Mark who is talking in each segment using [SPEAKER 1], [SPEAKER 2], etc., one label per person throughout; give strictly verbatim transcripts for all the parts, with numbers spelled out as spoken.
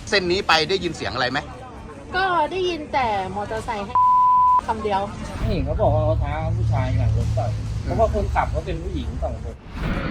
[SPEAKER 1] เส้นนี้ไปได้ยินเสียงอะไรไหม
[SPEAKER 2] ก็ได้ยินแต่มอเตอร์ไซค์ให้คำเดียว
[SPEAKER 3] เห็นเขาบอกว่าเขาท้าผู้ชายหลังรถต่อยเพราะว่าคนขับเขาเป็นผู้หญิงสองคน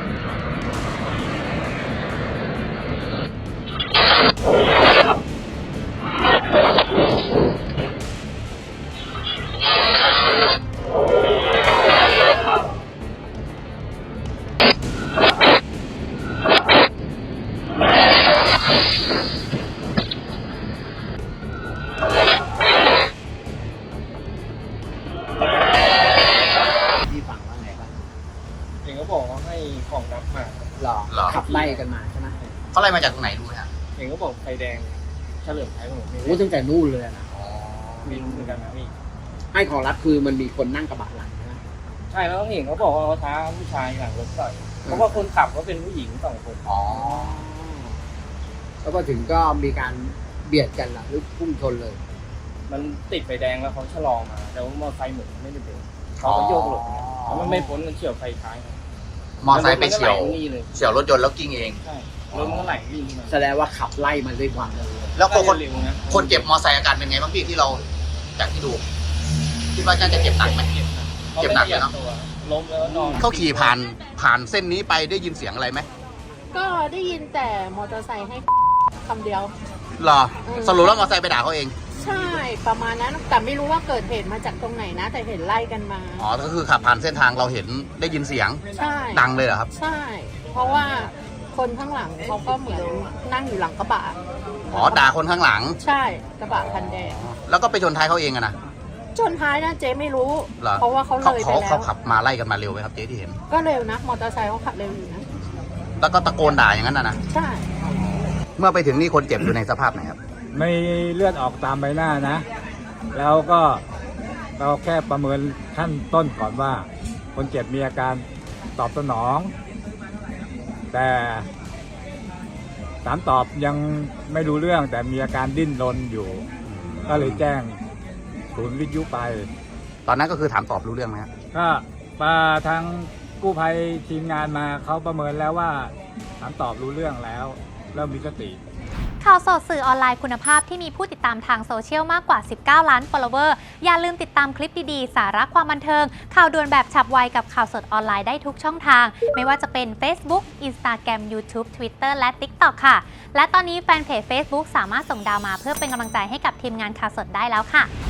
[SPEAKER 3] เห็นเขาบอกว่าให้ของรับมา
[SPEAKER 4] หรอหรอขับไล่กันมาใช่ไหม
[SPEAKER 1] เขาไล่มาจากตรงไหนรู้ไหมฮะ
[SPEAKER 3] เห็นเขาบอกไฟแดงเฉลิมไทยของผม
[SPEAKER 4] โอ้ตั้งแต่นู่นเลยนะ
[SPEAKER 3] มีรู้เหมือนกันนะพี่
[SPEAKER 4] ให้ของรับคือมันมีคนนั่งกระบะหลังนะ
[SPEAKER 3] ใช่แล้วเห็นเขาบอกว่าเขาท้าผู้ชายหลังรถต่อยเพราะว่าคนขับเขาเป็นผู้หญิงสองคน
[SPEAKER 4] อ๋อแล้วก็ถึงก็มีการเบียดกันล่ะหรือพุ่งชนเลย
[SPEAKER 3] มันติดไฟแดงแล้วเขาชะลอมาแต่ว่ามอเตอร์ไซค์เหมือนไม่ได้เบรกเขาก็โยกหลบแล้วมันไม่พ้นมันเฉี่ยวไฟท้าย
[SPEAKER 1] มอเตอร์ไซค์ไปเฉี่ยวเฉี่ยวรถยนต์แล้วกิ้งเอง
[SPEAKER 3] ใช่รถมันไหลวิ่งมา
[SPEAKER 4] แสดงว่าขับไล่มันด้วยความเร็ว
[SPEAKER 1] แล้วคนคนเจ็บมอเตอร์ไซค์อาการเป็นไงบ้างพี่ที่เราจากที่ดูคิดว่าน่าจะเจ็บหนักไหมเจ็บหนักเลยเนาะ
[SPEAKER 3] ล้มแล้วนอน
[SPEAKER 1] เขาขี่ผ่านผ่านเส้นนี้ไปได้ยินเสียงอะไรไหม
[SPEAKER 2] ก็ได้ยินแต่มอเตอร์ไซค์ให้คำเดียว
[SPEAKER 1] หรอสรุปแล้วมอเตอร์ไซค์ไปด่าเขาเอง
[SPEAKER 2] ใช่ประมาณนั้นแต่ไม่รู้ว่าเกิดเหตุมาจากตรงไหนนะแต่เห็นไล่กันมา
[SPEAKER 1] อ๋อก็คือขับผ่านเส้นทางเราเห็นได้ยินเสียง
[SPEAKER 2] ใช่
[SPEAKER 1] ดังเลยเหรอครับ
[SPEAKER 2] ใช่เพราะว่าคนข้างหลังเขาก็เหมือนนั่งอยู่หลังกระบะ
[SPEAKER 1] อ๋อด่าคนข้างหลัง
[SPEAKER 2] ใช่กระบะคันแดง
[SPEAKER 1] แล้วก็ไปชนท้ายเขาเองอะนะ
[SPEAKER 2] ชนท้ายนะเจ๊ไม่รู้เพราะว่าเขาเลยไปแล้ว
[SPEAKER 1] เขาขับมาไล่กันมาเร็วไหมครับเจ๊ที่เห็น
[SPEAKER 2] ก็เร็วนะมอเตอร์ไซค์เขาขับเร็วอยู่นะ
[SPEAKER 1] แล้วก็ตะโกนด่าอย่างนั้นนะนะ
[SPEAKER 2] ใช่
[SPEAKER 1] เมื่อไปถึงนี่คนเจ็บอยู่ในสภาพไหนครับ
[SPEAKER 5] ไม่เลือดออกตามใบหน้านะแล้วก็เราแค่ประเมินขั้นต้นก่อนว่าคนเจ็บมีอาการตอบสนองแต่ถามตอบยังไม่รู้เรื่องแต่มีอาการดิ้นรนอยู่ก็เลยแจ้งศูนย์วิทยุไป
[SPEAKER 1] ตอนนั้นก็คือถามตอบรู้เรื่องไหมครับ
[SPEAKER 5] ก็มาทางกู้ภัยทีมงานมาเขาประเมินแล้วว่าถามตอบรู้เรื่องแล้วเริ่มมีสติ
[SPEAKER 6] ข่าวสดสื่อออนไลน์คุณภาพที่มีผู้ติดตามทางโซเชียลมากกว่า สิบเก้า ล้าน follower อย่าลืมติดตามคลิปดีๆสาระความบันเทิงข่าวด่วนแบบฉับไวกับข่าวสดออนไลน์ได้ทุกช่องทางไม่ว่าจะเป็น Facebook Instagram YouTube Twitter และ TikTok ค่ะและตอนนี้แฟนเพจ Facebook สามารถส่งดาวมาเพื่อเป็นกำลังใจให้กับทีมงานข่าวสดได้แล้วค่ะ